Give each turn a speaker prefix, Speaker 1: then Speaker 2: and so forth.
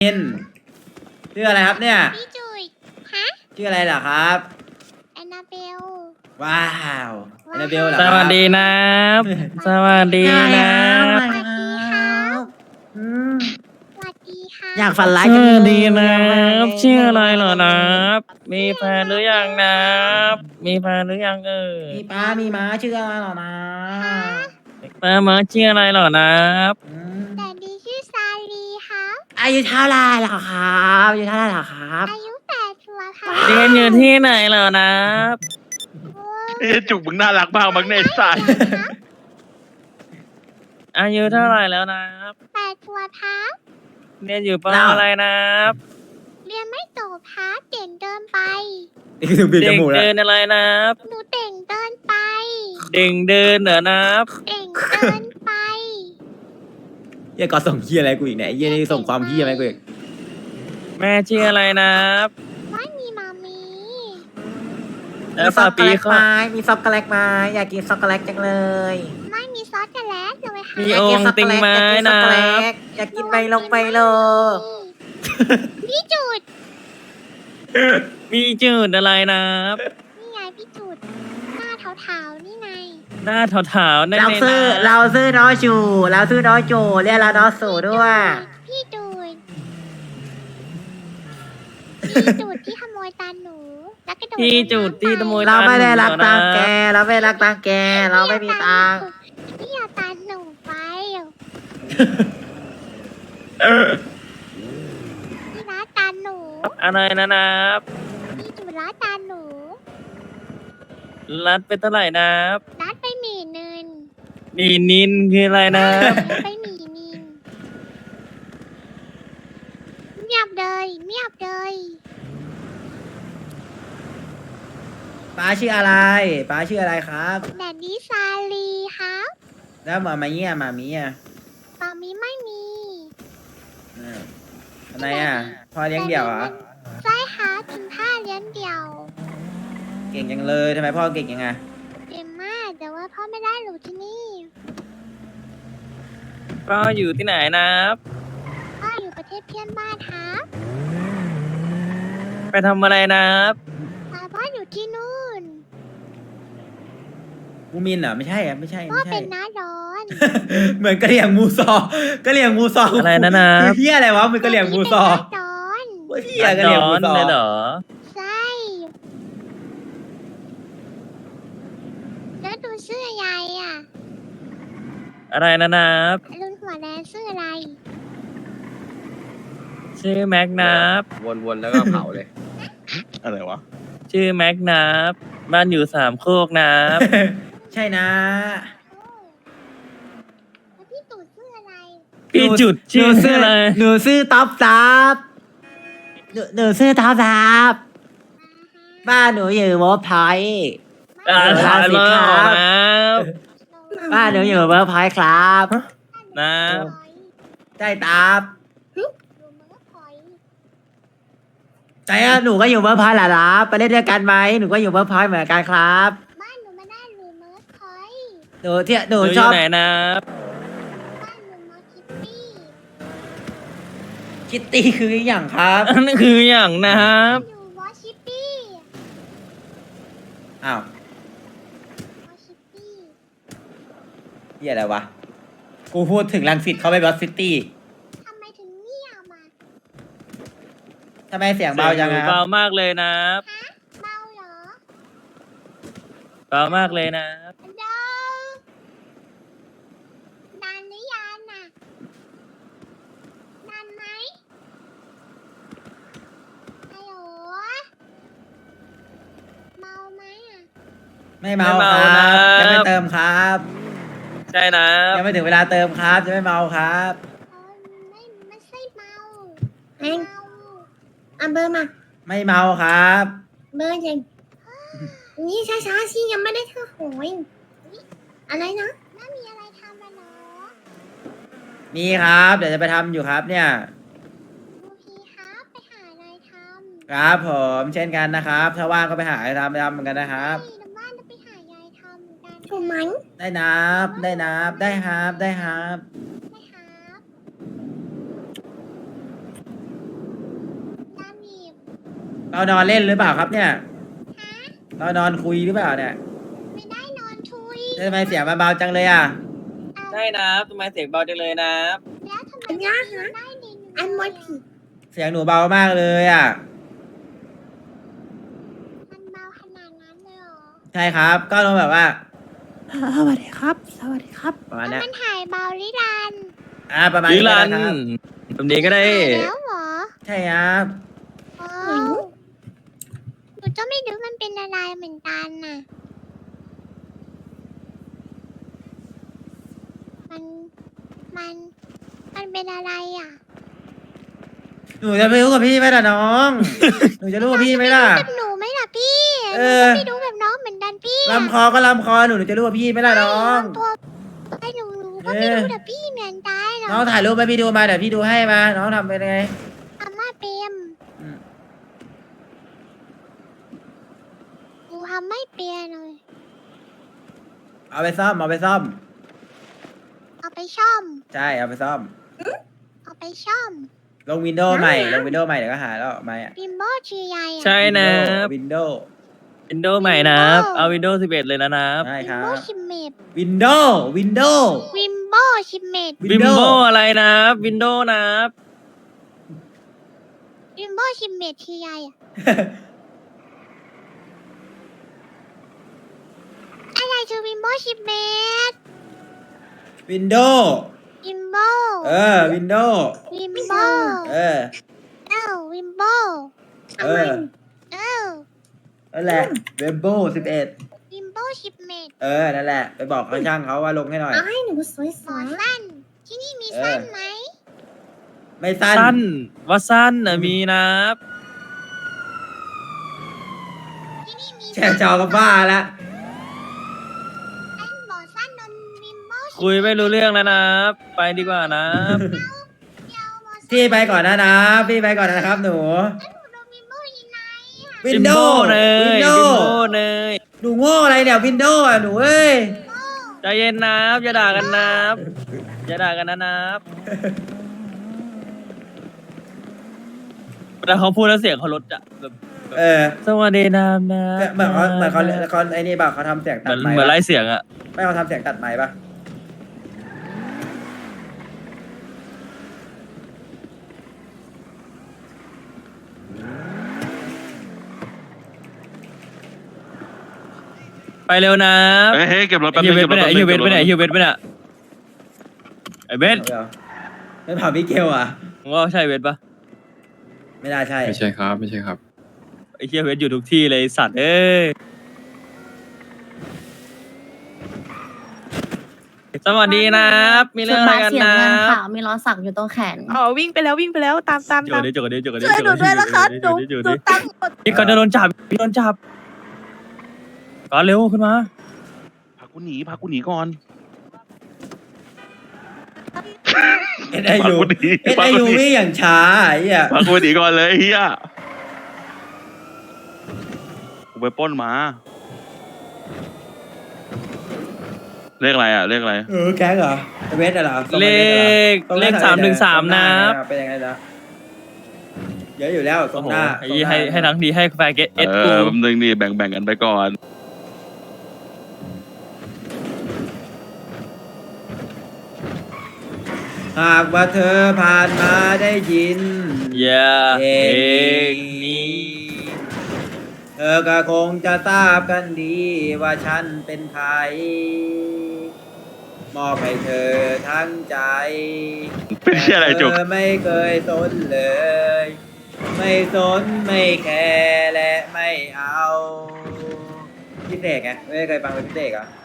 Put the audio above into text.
Speaker 1: มินชื่ออะไรครับเนี่ย
Speaker 2: พี่จุ๋ยฮะ
Speaker 1: ชื่ออะไรเหรอครับ
Speaker 2: แอนนาเบล
Speaker 1: ว้าวแอนนาเบลเหรอ
Speaker 3: ส
Speaker 1: ครับ
Speaker 3: วัสดีนะ สวัสดีนะ
Speaker 2: สวัสดีครับ
Speaker 1: อืม
Speaker 2: สวัสดีค่ะ
Speaker 1: อยากฝันร้าย
Speaker 3: ส
Speaker 1: จัง
Speaker 3: วั
Speaker 1: เล
Speaker 3: ส
Speaker 1: ย
Speaker 3: ดีนะชื่ออะไรเหรอนะมีแฟนหรือยังนะมีแฟนหรือยัง
Speaker 1: มีป้ามีม้าชื่ออะไรเหรอนะ
Speaker 3: มาชื่ออะไรเหรอนะ
Speaker 1: อืม
Speaker 2: แต่ดีชื่อซาลีครับ
Speaker 1: อายุเท่าไหรเหรอครับอายุเท่าไหรเหรอครับ
Speaker 2: อายุ8 ขวบครับ
Speaker 3: เรียนอยู่ที่ไหนเหรอนะ
Speaker 2: โอ้
Speaker 4: เอ้ยจุกมึงน่ารักมากมั้งในยไอ้สัตว์
Speaker 3: อายุเท่าไหร่แล้วนะ
Speaker 2: 8 ขวบครับ
Speaker 3: เรียนอยู่ปออะไรนะ
Speaker 2: เรียนไม่จบครับเต่งเดินไป
Speaker 1: นี่คือบีบจ
Speaker 3: เด็ก
Speaker 1: มูกแล้ว
Speaker 3: เดินอะไรนะ
Speaker 2: หนูเต่งเดินไป
Speaker 3: เด็กเดินเหรอนะ
Speaker 2: เต่งเดินไป
Speaker 1: เฮียก็ส่งเฮียอะไรกูอีกเนี่ยไอ้เฮียนี่ส่งความเฮียไหมาให้กูอีก
Speaker 3: แม่ชื่ออะไรนะ
Speaker 2: ไม่มีมามี
Speaker 3: แล้วป้าปีเขา
Speaker 1: มีช็อกโกแลตไหมอยากกินช็อกโกแลตจังเลย
Speaker 2: ไม่มีซอสกันแล้วเลยค่ะ
Speaker 3: มีองค์ติงไม้นะ
Speaker 1: อยากกินไมลงไมโล
Speaker 2: พี่จุด
Speaker 3: มีจืดอะไรนะ
Speaker 2: นี่ไงพี่จุด หน้าเทาๆนี่ไง
Speaker 3: หน้าถาวๆนั่น
Speaker 1: เรา
Speaker 3: เลย
Speaker 1: ซื้อ
Speaker 3: นะ
Speaker 1: เราซื้อน้อยจูเราซื้อน้อยจูเรียกเราน้อยสูด้วย
Speaker 2: พี่จุดพี่จุดที่ขโมยตาหนู แล้วก็โดด
Speaker 3: ที่จุดที่ขโมย
Speaker 1: เราไม่ได้รัก
Speaker 3: ตา
Speaker 1: ตัง
Speaker 3: หนู
Speaker 1: แก เราไม่รักตังแก เราไม่มีตังค์
Speaker 2: พี่เอาตาหนูไปพี่รักตาหนู
Speaker 3: อะไรนะ
Speaker 2: พี่จุดรักตาหนู
Speaker 3: รัดไปเท่าไหร่นะ
Speaker 2: รัดไปหมี่นึน
Speaker 3: มีนินคืออะไรนะ
Speaker 2: รัดไปหมี่นินเงียบเลยเงียบเลย
Speaker 1: ป้าชื่ออะไรป้าชื่ออะไรครับ
Speaker 2: แดดดี้ซาลีครับ
Speaker 1: แล้วหมามีอ่ะหมามีอ่ะ
Speaker 2: ปามีไม่มี
Speaker 1: ทำไมอ่ะพ่อเลี้ยงเดี่ยวเหรอ
Speaker 2: ใช่ค่ะกินผ้าเลี้ยงเดี่ยว
Speaker 1: เก่งจังเลยทำไมพ่อเก่งยังไง
Speaker 2: เก่งมากแต่ว่าพ่อไม่ได้หนูที่นี่
Speaker 3: ก็อยู่ที่ไหนนะ
Speaker 2: พ่ออยู่ประเทศเพื่อนบ้านครับ
Speaker 3: ไปทำอะไรนะ
Speaker 2: แต่พ่ออยู่ที่นู่น
Speaker 1: มูมินเหรอไม่ใช่อ่ะไม่ใช่
Speaker 2: พ่อ
Speaker 1: ไม่ใช่
Speaker 2: เป็นน้าร้อน
Speaker 1: เหมือนกะเหรี่ยงมูซอกะเหรี่ยงมูซอ
Speaker 3: อะไรนะนะ
Speaker 1: คือเฮียอะไรวะเหมือนกะเหรี่ยงมูซอ
Speaker 2: พ่เป็นน้าร้อน
Speaker 1: โอ้ยเฮียกะเหรี่ยงมูซอ
Speaker 3: เลยเหรอ
Speaker 2: ใช่แล้วดูชื่ออะไรอ่ะ
Speaker 3: อะไรนะ
Speaker 2: ลุงหัวแดงชื่ออะไร
Speaker 3: ชื่อแม็กนะ
Speaker 5: วนๆแล้วก็เผาเลย
Speaker 4: อะไรวะ
Speaker 3: ชื่อแม็กนะบ้านอยู่สามโคกนะ
Speaker 1: ใช่นะ
Speaker 2: แล้วพี่ตู่ชื่ออะไร
Speaker 3: พี่จุดชื่ออะไร
Speaker 1: หนูซื้อต๊อปซับหนูซื้อต๊อปซับบ้านหนูอยู่เวิร์กพอยต์
Speaker 3: อ่านผ่านมาออกนะ
Speaker 1: บ้านหนูอยู่เวิร์กพอยต์ครับ
Speaker 3: นะ
Speaker 1: ใช่ตับ
Speaker 2: ดูมันก็พอย
Speaker 1: ใช่อะหนูก็อยู่เวิร์กพอยต์แหละครับไปเล่นด้วยกันไหมหนูก็อยู่เวิร์กพอยต์เหมือนกันครับ
Speaker 2: บ้านหนูไม่ได้หรือเมิร์ดพอย
Speaker 1: หนูที่ห
Speaker 3: ห
Speaker 1: นู
Speaker 3: นูอ
Speaker 1: ชอยู่ บ
Speaker 3: ไหนนะ
Speaker 2: บ้านหนูมอคิปปี้
Speaker 1: คิตตี้คืออย่างครับ
Speaker 3: อันนั้นคืออย่างนะครับ
Speaker 2: อยู่วอชิปปี้
Speaker 1: อ้าว
Speaker 2: วอชิปปี้
Speaker 1: เฮียอะไรวะกูพูดถึงลังสิตเขาไปบอสซิตี้
Speaker 2: ทำไมถึงเงียบมา
Speaker 1: ทำไมเสียงเบาจัง
Speaker 3: สีย
Speaker 1: อะ
Speaker 3: เบามากเลยนะ
Speaker 2: ฮะเมาเหรอ
Speaker 3: เบามากเลยนะ
Speaker 2: เดาดันหรือยังน่ะดันไหมฮัลโหลเมาไหมอ่ะ
Speaker 1: ไม่เมา
Speaker 3: ไม่
Speaker 1: ค
Speaker 3: เมา
Speaker 1: รับ
Speaker 3: นะ
Speaker 1: ยังไม่เติมครับ
Speaker 3: ใช่นะ
Speaker 1: ยังไม่ถึงเวลาเติมครับจะไม่เมาครับ
Speaker 2: เออไม่ใช่เมา
Speaker 6: เอ็ง
Speaker 2: เมา
Speaker 6: เอาเบอร์มา
Speaker 1: ไม่เมาครับ
Speaker 6: เบอร์เย็นนี่ช้าๆสิยังไม่ได้เท่าโหยอะไรนะ
Speaker 2: แล้วมีอะไรทำกันเหรอ
Speaker 1: มีครับ เดี๋ยวจะไปทำอยู่ครับเนี่ย
Speaker 2: โอเคครับไปหาอะไรทำ
Speaker 1: ครับผมเช่นกันนะครับ ถ้าว่างก็ไปหาอะไรทำไปทำเหมือนกันนะครับ
Speaker 2: ใช่น้ำบ้านจะไปหายายทำเหมือนกัน
Speaker 6: ถูกไหม
Speaker 1: ได้นับได้นับได้ครับได้ครับ
Speaker 2: นะครับ
Speaker 1: เรานอนเล่นหรือเปล่าครับเนี่ยเรานอนคุยหรือเปล่าเนี่ย
Speaker 2: ไม่ได้นอนทุย
Speaker 1: ทำไมเสียงเบาๆจังเลยอ่ะ
Speaker 3: ใช่นะทำไมเสียงเบาจังเลยนะ
Speaker 2: แล้วทำไม
Speaker 6: อันยากนะ
Speaker 2: ได้ดิน
Speaker 6: อันมดผี
Speaker 1: เสียงหนูเบามากเลยอ่ะ
Speaker 2: มันเบาขนาดนั้นเลยเหรอ
Speaker 1: ใช่ครับ ก็ต้องแบบว่าสวัสดีครับ สวัสดีครับประมาณ
Speaker 2: แล้ว
Speaker 1: เนี้ย
Speaker 2: มันถ่ายเบาลิรัน
Speaker 1: ประมาณ
Speaker 3: ลิ
Speaker 1: นี้
Speaker 3: ลัน
Speaker 1: นะครับ
Speaker 3: แบบนี้ก็ได้
Speaker 2: ถ่ายแล้วเหรอ
Speaker 1: ใช่ครับ
Speaker 2: ว้าวหนูก็ไม่รู้มันเป็นอะไรเหมือนกันน่ะ มันมันเป็นอะไรอ่ะ
Speaker 1: หนูจะไปรู้กับพี่ไหมล่ะน้อง หนูจะรู้กับพี่ไหมล่ะ
Speaker 2: แบบหนูไหมล่ะพี่
Speaker 1: เอ
Speaker 2: หนู
Speaker 1: อ
Speaker 2: ก็ไม่รู้แบบน้องเหมือนกันพี่
Speaker 1: ลำคอก็ลำคอหนูจะรู้กับพี่ไหมล่ะน้อง
Speaker 2: ตัวไอ้หนูก็ไม่รู้แต่พี่เหมือนกันหร
Speaker 1: น้
Speaker 2: อ
Speaker 1: องถ่ายรูปไปพี่ดูมาเดี๋ยวพี่ดูให้มา น้องทำเป็นไง
Speaker 2: อาม่าเปรียม
Speaker 1: อืม
Speaker 2: หนูทำไม่เปรียเลย
Speaker 1: เอาไปซ่อม เอาไปซ่อม
Speaker 2: เอาไปช่อม
Speaker 1: ใช่ เอาไปซ่อม
Speaker 2: เอาไปช่อม
Speaker 1: ลงวินโดว์ใหม่ ลงวินโดว์ใหม่เดี๋ยวก็หาแล้วไม่อะ
Speaker 2: บิมโบชื่อใหญ่อะ
Speaker 3: ใช่นะ
Speaker 1: วินโดว์
Speaker 3: วินโดว์ใหม่นะ เอาวินโดว์11เลยนะนะ
Speaker 1: ใช่
Speaker 2: บิ
Speaker 1: ค
Speaker 2: ม
Speaker 1: รั
Speaker 2: โบ
Speaker 1: บ
Speaker 2: ชิมเมด
Speaker 1: วินโดว์ วินโดว์
Speaker 2: วิมโบชิมเมด
Speaker 3: วิมโบอะไรนะ วินโดว์นะ
Speaker 2: วิมโบชิมเมดชื่อใหญ่อะอะไรคือวิมโบชิมเมด
Speaker 1: วินโดว์
Speaker 2: วิมโบ
Speaker 1: วินโดว์
Speaker 2: วิมโบ
Speaker 1: เออ
Speaker 2: วิมโบ
Speaker 1: เออ
Speaker 2: เอ้า
Speaker 1: นั่นแหละ เวมโบ11
Speaker 2: วิมโบชิมเมด
Speaker 1: นั่นแหละ ไปบอกเขาช่างเขาว่าลงให้หน่อย
Speaker 6: เอาให้หนูสวย
Speaker 2: หมอสั้น ที่นี่มี
Speaker 1: เออ
Speaker 2: สั้นไหม
Speaker 1: ไม่สั้น
Speaker 3: สั้นว่าสั้นนะมีนะ
Speaker 2: ที่นี่มี
Speaker 1: แชร์จอกับบ้าละ
Speaker 2: สั้นหมอสั้นนนวิมโบ
Speaker 3: คุยไม่รู้เรื่องแล้วนะ ไปดีกว่านะ
Speaker 2: เดียวหมอสั้น
Speaker 1: พี่ไปก่อนนะ พี่ไปก่อนนะครับหนู
Speaker 2: หนูโดนวิมโบยิงไหนอะ
Speaker 1: วิ
Speaker 3: วิ
Speaker 1: น
Speaker 3: ม
Speaker 1: โด
Speaker 3: โบ
Speaker 1: ว์
Speaker 3: เนย
Speaker 1: วินโด
Speaker 3: วิม
Speaker 1: ว์
Speaker 3: โบเนย
Speaker 1: หนูโง่อะไรเนี่ยวินโดว์อ่ะหนูเอ้ย
Speaker 3: ใจเย็นนะอย่าด่ากันนะอย่าด่ากันนะแต่เขาพูดแล้วเสียงเขาลดอะแบบ สวัสดีนามนะ
Speaker 1: เหมือนเขาไอ้นี่ป่ะเขาทำเสียง
Speaker 3: เห
Speaker 1: ตั
Speaker 3: มื
Speaker 1: ด
Speaker 3: อน
Speaker 1: ไมค์
Speaker 3: เหมือน
Speaker 1: ปะ
Speaker 3: ไล่เสียงอะ
Speaker 1: ไม่เขาทำเสียงตัดไมค์ป่ะ
Speaker 3: ไปเร็วนะ
Speaker 4: เฮ้ยเก็บรถแป๊บ
Speaker 3: ไอ้
Speaker 4: นึ
Speaker 3: เฮีย
Speaker 4: ง
Speaker 3: เวทไปไหนไอ้เฮียเวทไปไหนไอ้เฮียเวทไปไหนไอ้เวท
Speaker 1: ไม่เผาพี่เกลอ่ะ
Speaker 3: มึงว่าใช่เวทปะ
Speaker 1: ไม่น่าใช่
Speaker 5: ไม่ใช่ครับไม่ใช่ครับ
Speaker 3: ไอ้เฮียเวทอยู่ทุกที่เลยไอ้สัตว์เอ้ยสวัสดีนะครับมีเรื่องอะไรกันนะ
Speaker 7: มีล้อสักอยู่ตรงแขน
Speaker 8: อ๋อวิ่งไปแล้วตาม
Speaker 3: จกกันดิจกกันดิจกกันดิ
Speaker 8: ช่วยหนูด้วยนะคะหนู
Speaker 3: จก
Speaker 8: หนู
Speaker 3: ดิ
Speaker 8: ตั้งหมด
Speaker 3: พี่ก่อนจะโดนจับพี่โดนจับก่อนเร็วขึ้นมา
Speaker 4: พากูหนีก่อน
Speaker 1: เอ็นไอยูวิ่งอย่างช้าไอ้เหี้ย
Speaker 4: พากูหนีก่อนเลยเฮียกูไปปล้นมาเลขอะไรอ่ะเลขอะไร
Speaker 1: แก๊งเหรอเวทเหรอ
Speaker 3: เลข313นะครับ
Speaker 1: เป็นยังไงนะเยอะอยู่แล้วตร
Speaker 3: โอ้
Speaker 1: ง
Speaker 3: โห
Speaker 1: หน้า
Speaker 3: ให้ทั้งดีให้แฟร์เกตเอสกู
Speaker 4: แป๊บนึงดิแบ่งกันไปก่อน
Speaker 1: หากว่าเธอผ่านมาได้ยิน
Speaker 3: อย่า
Speaker 1: เพ
Speaker 3: เพ
Speaker 1: ล
Speaker 3: ล
Speaker 1: ง
Speaker 3: ง
Speaker 1: นี้
Speaker 3: นี้
Speaker 1: เธอก็คงจะทราบกันดีว่าฉันเป็นใคร มอบให้เธอทั้งใจ
Speaker 4: เป็นเชี่ยอะไรจุก
Speaker 1: แต่เธอไม่เคยสนเลย ไม่สนไม่แคร์และไม่เอาพี่เสกไงไม่เคยฟังเป็นพี่เสกเหรอ่ะ